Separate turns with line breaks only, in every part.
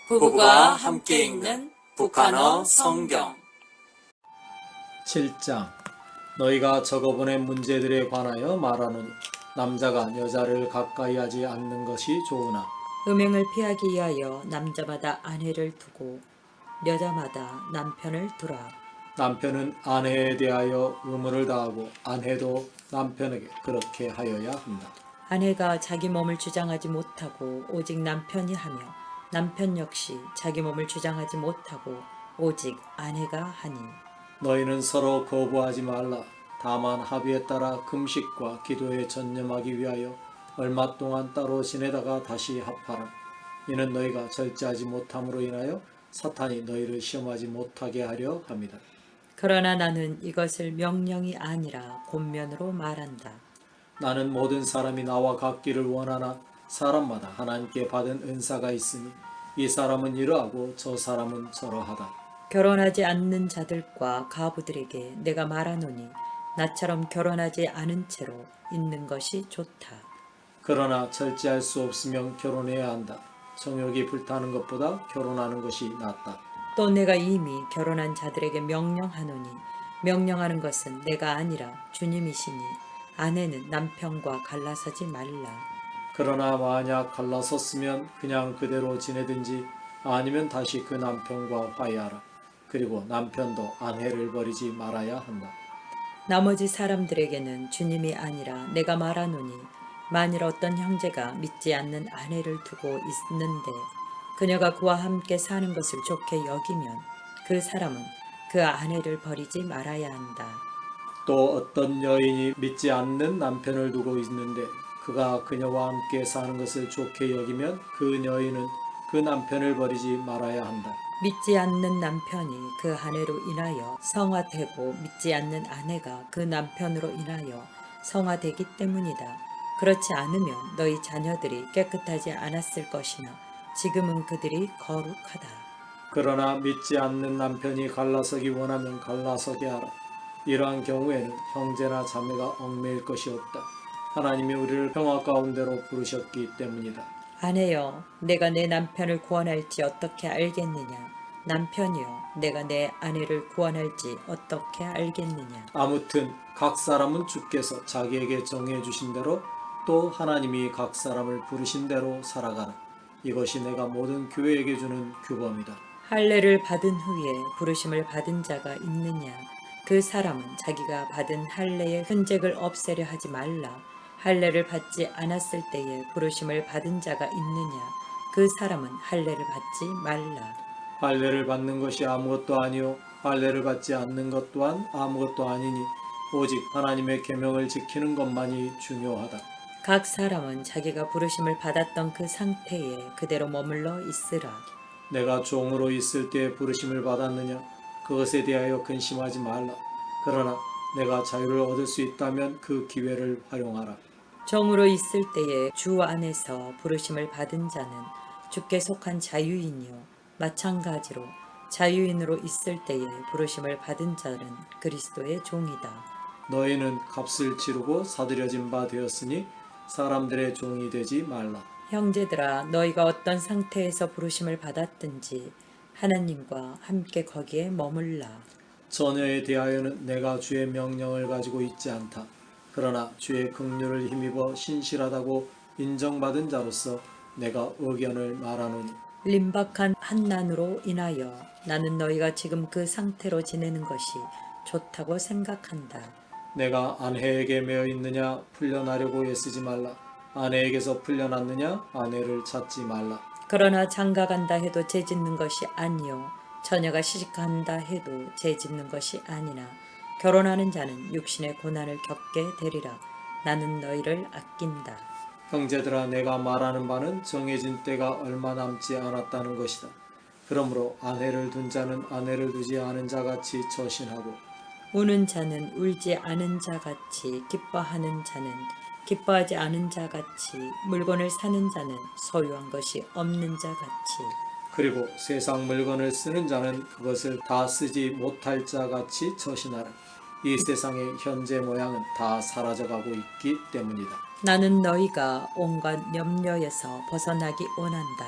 부부가 함께 읽는 북한어 성경
7장 너희가 적어보낸 문제들에 관하여 말하노니 남자가 여자를 가까이 하지 않는 것이 좋으나
음행을 피하기 위하여 남자마다 아내를 두고 여자마다 남편을 두라.
남편은 아내에 대하여 의무를 다하고 아내도 남편에게 그렇게 하여야 한다.
아내가 자기 몸을 주장하지 못하고 오직 남편이 하며 남편 역시 자기 몸을 주장하지 못하고 오직 아내가 하니
너희는 서로 거부하지 말라. 다만 합의에 따라 금식과 기도에 전념하기 위하여 얼마 동안 따로 지내다가 다시 합하라. 이는 너희가 절제하지 못함으로 인하여 사탄이 너희를 시험하지 못하게 하려 합니다.
그러나 나는 이것을 명령이 아니라 권면으로 말한다.
나는 모든 사람이 나와 같기를 원하나 사람마다 하나님께 받은 은사가 있으니 이 사람은 이러하고 저 사람은 저러하다.
결혼하지 않는 자들과 가부들에게 내가 말하노니 나처럼 결혼하지 않은 채로 있는 것이 좋다.
그러나 절제할 수 없으면 결혼해야 한다. 정욕이 불타는 것보다 결혼하는 것이 낫다.
또 내가 이미 결혼한 자들에게 명령하노니 명령하는 것은 내가 아니라 주님이시니 아내는 남편과 갈라서지 말라.
그러나 만약 갈라섰으면 그냥 그대로 지내든지 아니면 다시 그 남편과 화해하라. 그리고 남편도 아내를 버리지 말아야 한다.
나머지 사람들에게는 주님이 아니라 내가 말하노니 만일 어떤 형제가 믿지 않는 아내를 두고 있는데 그녀가 그와 함께 사는 것을 좋게 여기면 그 사람은 그 아내를 버리지 말아야 한다.
또 어떤 여인이 믿지 않는 남편을 두고 있는데 그가 그녀와 함께 사는 것을 좋게 여기면 그 여인은 그 남편을 버리지 말아야 한다.
믿지 않는 남편이 그 아내로 인하여 성화되고 믿지 않는 아내가 그 남편으로 인하여 성화되기 때문이다. 그렇지 않으면 너희 자녀들이 깨끗하지 않았을 것이나 지금은 그들이 거룩하다.
그러나 믿지 않는 남편이 갈라서기 원하면 갈라서게 하라. 이러한 경우에는 형제나 자매가 얽매일 것이 없다. 하나님이 우리를 평화 가운데로 부르셨기 때문이다.
아내여, 내가 내 남편을 구원할지 어떻게 알겠느냐? 남편이여, 내가 내 아내를 구원할지 어떻게 알겠느냐?
아무튼 각 사람은 주께서 자기에게 정해 주신 대로 또 하나님이 각 사람을 부르신 대로 살아가라. 이것이 내가 모든 교회에게 주는 규범이다.
할례를 받은 후에 부르심을 받은 자가 있느냐? 그 사람은 자기가 받은 할례의 흔적을 없애려 하지 말라. 할례를 받지 않았을 때에 부르심을 받은 자가 있느냐? 그 사람은 할례를 받지 말라.
할례를 받는 것이 아무것도 아니요 할례를 받지 않는 것 또한 아무것도 아니니 오직 하나님의 계명을 지키는 것만이 중요하다.
각 사람은 자기가 부르심을 받았던 그 상태에 그대로 머물러 있으라.
내가 종으로 있을 때 부르심을 받았느냐? 그것에 대하여 근심하지 말라. 그러나 내가 자유를 얻을 수 있다면 그 기회를 활용하라.
종으로 있을 때에 주 안에서 부르심을 받은 자는 주께 속한 자유인이요 마찬가지로 자유인으로 있을 때에 부르심을 받은 자는 그리스도의 종이다.
너희는 값을 치르고 사들여진 바 되었으니 사람들의 종이 되지 말라.
형제들아, 너희가 어떤 상태에서 부르심을 받았든지 하나님과 함께 거기에 머물라.
처녀에 대하여는 내가 주의 명령을 가지고 있지 않다. 그러나 주의 긍휼을 힘입어 신실하다고 인정받은 자로서 내가 의견을 말하노니
림박한 한난으로 인하여 나는 너희가 지금 그 상태로 지내는 것이 좋다고 생각한다.
내가 아내에게 매어 있느냐 풀려나려고 애쓰지 말라. 아내에게서 풀려났느냐 아내를 찾지 말라.
그러나 장가간다 해도 죄짓는 것이 아니요 처녀가 시집간다 해도 죄짓는 것이 아니나 결혼하는 자는 육신의 고난을 겪게 되리라. 나는 너희를 아낀다.
형제들아 내가 말하는 바는 정해진 때가 얼마 남지 않았다는 것이다. 그러므로 아내를 둔 자는 아내를 두지 않은 자같이 처신하고
우는 자는 울지 않은 자같이 기뻐하는 자는 기뻐하지 않은 자같이 물건을 사는 자는 소유한 것이 없는 자같이
그리고 세상 물건을 쓰는 자는 그것을 다 쓰지 못할 자같이 처신하라. 이 세상의 현재 모양은 다 사라져가고 있기 때문이다.
나는 너희가 온갖 염려에서 벗어나기 원한다.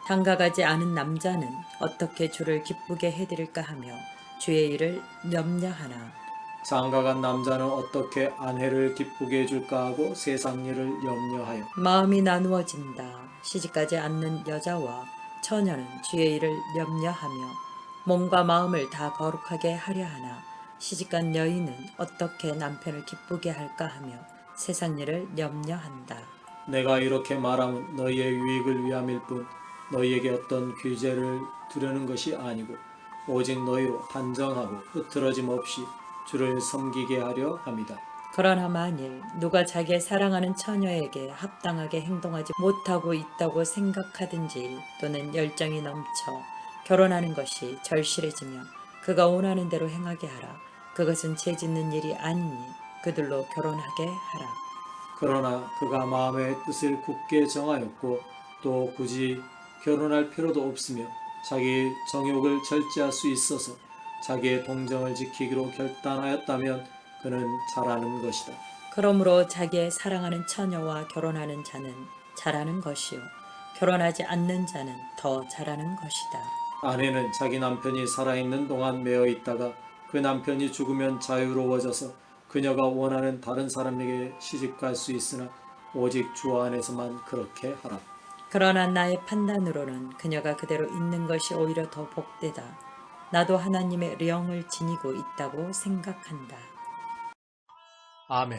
장가가지 않은 남자는 어떻게 주를 기쁘게 해드릴까 하며 주의 일을 염려하나
장가간 남자는 어떻게 아내를 기쁘게 해줄까 하고 세상 일을 염려하여
마음이 나누어진다. 시집가지 않는 여자와 처녀는 주의 일을 염려하며 몸과 마음을 다 거룩하게 하려 하나 시집간 여인은 어떻게 남편을 기쁘게 할까 하며 세상 일을 염려한다.
내가 이렇게 말하면 너희의 유익을 위함일 뿐 너희에게 어떤 규제를 두려는 것이 아니고 오직 너희로 단정하고 흐트러짐 없이 주를 섬기게 하려 함이다.
그러나 만일 누가 자기의 사랑하는 처녀에게 합당하게 행동하지 못하고 있다고 생각하든지 또는 열정이 넘쳐 결혼하는 것이 절실해지며 그가 원하는 대로 행하게 하라. 그것은 죄 짓는 일이 아니니 그들로 결혼하게 하라.
그러나 그가 마음의 뜻을 굳게 정하였고 또 굳이 결혼할 필요도 없으며 자기 정욕을 절제할 수 있어서 자기의 동정을 지키기로 결단하였다면 그는 잘하는 것이다.
그러므로 자기의 사랑하는 처녀와 결혼하는 자는 잘하는 것이요 결혼하지 않는 자는 더 잘하는 것이다.
아내는 자기 남편이 살아있는 동안 매어 있다가 그 남편이 죽으면 자유로워져서 그녀가 원하는 다른 사람에게 시집갈 수 있으나 오직 주 안에서만 그렇게 하라.
그러나 나의 판단으로는 그녀가 그대로 있는 것이 오히려 더 복되다. 나도 하나님의 영을 지니고 있다고 생각한다.
아멘.